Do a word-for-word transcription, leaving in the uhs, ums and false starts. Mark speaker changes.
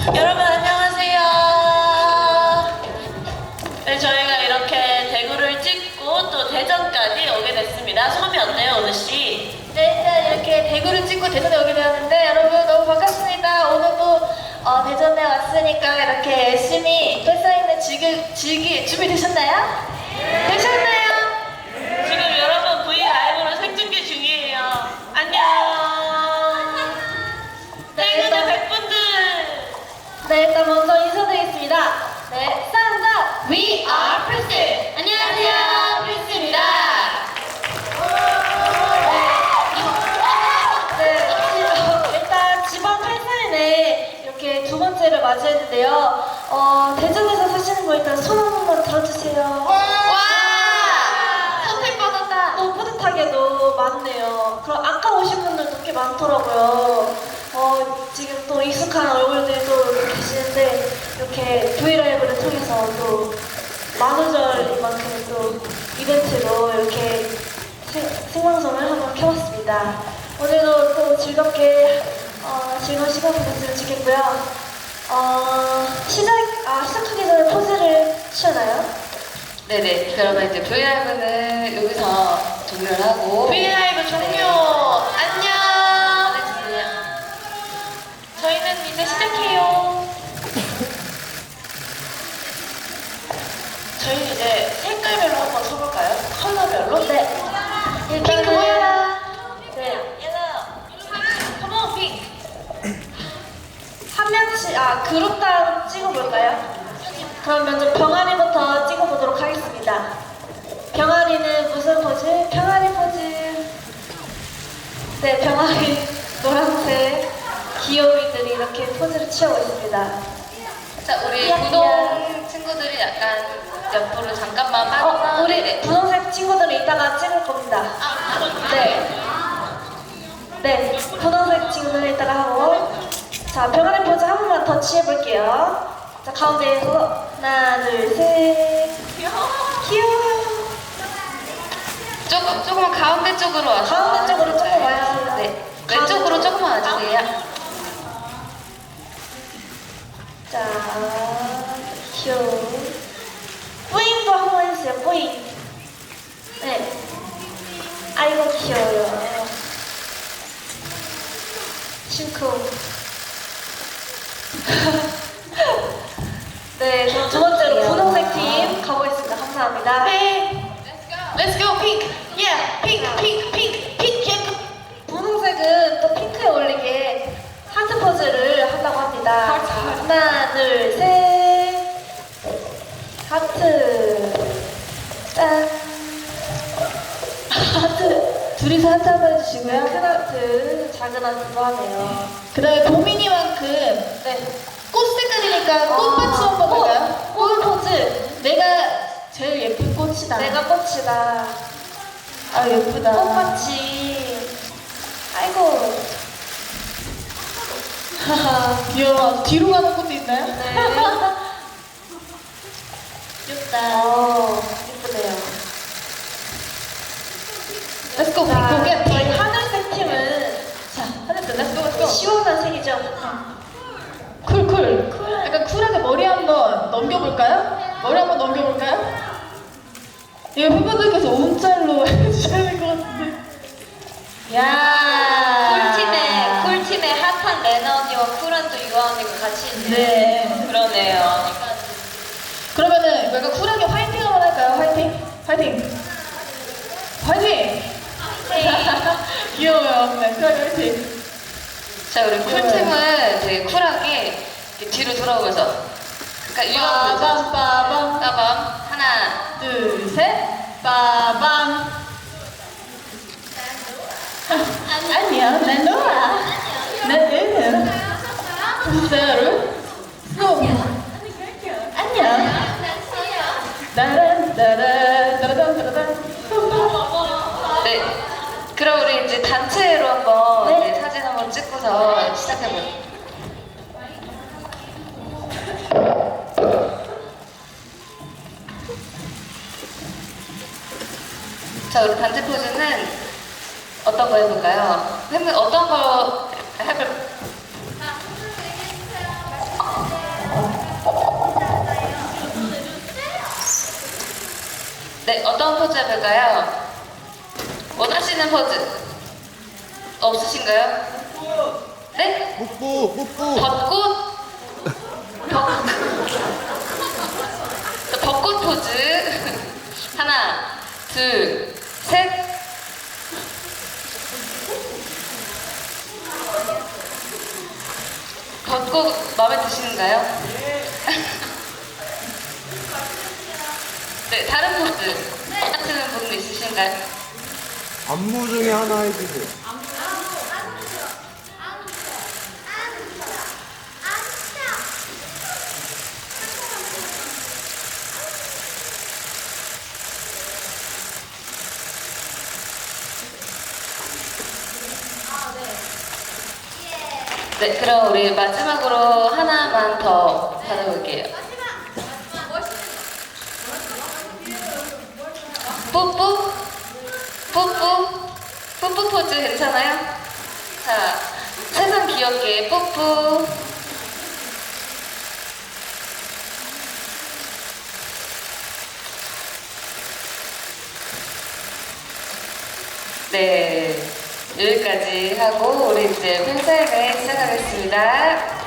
Speaker 1: 여러분 안녕하세요. 네, 저희가 이렇게 대구를 찍고 또 대전까지 오게 됐습니다. 소감이 어때요, 오늘 씨?
Speaker 2: 네, 일단 이렇게 대구를 찍고 대전에 오게 되었는데 여러분 너무 반갑습니다. 오늘도 어, 대전에 왔으니까 이렇게 열심히 팬사인회 즐기, 즐기 준비되셨나요? 되셨나요?
Speaker 1: 지금 여러분 V 라이브로 생중계 중이에요. 안녕. 대구의 백분들.
Speaker 2: 네, 일단 먼저 인사드리겠습니다. 네, 쌍다 We are 프린스. 안녕하세요, 프린스입니다. 네, 지- 일단 지방 팬사인회 이렇게 두 번째를 맞이했는데요. 어, 대전에서 사시는 거 일단 손 한 번만 들어주세요. 와! 선택받았다. 너무 뿌듯하게도 많네요. 그럼 아까 오신 분들도 꽤 많더라고요. 어, 지금 또 익숙한 얼굴들이 또 계시는데 이렇게 브이라이브를 통해서 또 만우절만큼 또 이벤트로 이렇게 생, 생방송을 한번 켜봤습니다. 오늘도 또 즐겁게 어, 즐거운 시간 보냈으면 좋겠고요. 어, 시작, 아, 시작하기 전에 포즈를 취하나요?
Speaker 3: 네네. 그러면 이제 브이라이브는 여기서 종료를 하고
Speaker 1: V 라이브 종료. 안녕. 저희는 이제 시작해요. 저희 이제 색깔별로 한번 서볼까요? 컬러별로?
Speaker 2: 네.
Speaker 1: 핑크 모여라.
Speaker 2: 네.
Speaker 1: 옐로우. 컴온 핑크.
Speaker 2: 한 명씩, 아, 그룹당 찍어볼까요? 그럼 먼저 병아리부터 찍어보도록 하겠습니다. 병아리는 무슨 포즈? 병아리 포즈. 네, 병아리 노란색 귀요미들이 이렇게 포즈를 취하고 있습니다.
Speaker 3: 자, 우리
Speaker 2: 야,
Speaker 3: 구독 친구들이 약간 옆으로 잠깐만
Speaker 2: 어,
Speaker 3: 빠져서
Speaker 2: 우리 분홍색 친구들은 이따가 찍을 겁니다. 네. 네, 분홍색 친구들은 이따가 하고. 자, 병아리 포즈 한 번만 더 취해볼게요. 자, 가운데에서 하나, 둘, 셋.
Speaker 1: 귀여워.
Speaker 2: 귀여워.
Speaker 3: 조금 조금만 가운데 쪽으로 와서
Speaker 2: 가운데 쪽으로 조금 와주세요.
Speaker 3: 네. 왼쪽으로 조금만 와주세요.
Speaker 2: 자, 귀여워. 뿌잉도 한 번 해주세요, 뿌잉. 네. 아이고, 귀여워요. 심쿵. 네, 그럼 두 번째로 분홍색 팀 가보겠습니다. 감사합니다.
Speaker 1: 네. Let's go 핑크. Yeah. 핑크 핑크 핑크 핑크.
Speaker 2: 분홍색은 또 핑크에 어울리게 하트 포즈를 한다고 합니다.
Speaker 1: 하트.
Speaker 2: 자, 하나, 둘, 셋. 하트. 짠. 하트. 둘이서 하트 한번 해주시고요. 큰 하트, 작은 하트도 하네요.
Speaker 4: 그 다음에 보민이만큼
Speaker 2: 네.
Speaker 4: 꽃 색깔이니까 꽃받침 한번
Speaker 2: 꽃,
Speaker 4: 볼까요?
Speaker 2: 꽃 포즈.
Speaker 4: 내가 제일 예쁜 꽃이다.
Speaker 2: 내가 꽃이다.
Speaker 4: 아 예쁘다.
Speaker 2: 꽃받침. 아이고.
Speaker 4: 하하 귀여워. 뒤로 가는 꽃도 있나요?
Speaker 2: 네.
Speaker 1: 귀엽다.
Speaker 2: 어, 예쁘네요.
Speaker 4: Let's go.
Speaker 2: 자,
Speaker 4: go get
Speaker 2: 저희
Speaker 4: it.
Speaker 2: 하늘색 팀은
Speaker 4: 자 하늘색 Let's go. Let's go.
Speaker 2: 시원한 색이죠.
Speaker 4: 쿨쿨. 약간 쿨하게 머리 한번 넘겨볼까요? 머리 한번 넘겨볼까요? 이거 팬분들께서 움짤로 해주셔야 될 것 같은데. 야.
Speaker 3: 쿨팀에 쿨팀에 핫한 레나 언니와 쿨한 또 유아 언니가 같이 있네요.
Speaker 4: 네.
Speaker 3: 그러네요.
Speaker 4: 그러면은 약간 쿨하게 화이팅 한번 할까요? 화이팅? 화이팅! 화이팅! 귀여워요. 네, 쿨하게 화이팅.
Speaker 3: 자, 우리 쿨팀은 되게 쿨하게 이렇게 뒤로 돌아오면서 그러니까 유아 언니
Speaker 4: 빠밤 빠밤
Speaker 3: 빠밤 하나
Speaker 4: 둘 셋 빠밤 안녕 난 노아 나는 진짜로 송 안녕 따란 따란 따란 따란
Speaker 3: 네. 그럼 우리 이제 단체로 한번
Speaker 2: 네.
Speaker 3: 이제 사진 한번 찍고서 시작해볼게요. 자, 우리 단체 포즈는 어떤 거 해볼까요? 팬분 어떤 거 해볼? 어떤 포즈 해볼까요? 원하시는 포즈 없으신가요? 네?
Speaker 5: 뽀뽀 뽀뽀.
Speaker 3: 벚꽃? 벚... 벚꽃 포즈. 하나, 둘, 셋. 벚꽃 마음에 드시는가요? 네, 다른 포즈 원하시는 분 있으신가요?
Speaker 5: 안무 중에 하나 해주세요.
Speaker 3: 네, 그럼 우리 마지막으로 하나만 더 받아볼게요. 뽀뽀? 뽀뽀? 뽀뽀 포즈 괜찮아요? 자, 최선 귀엽게 뽀뽀. 네, 여기까지 하고 우리 이제 팬사인회 시작하겠습니다.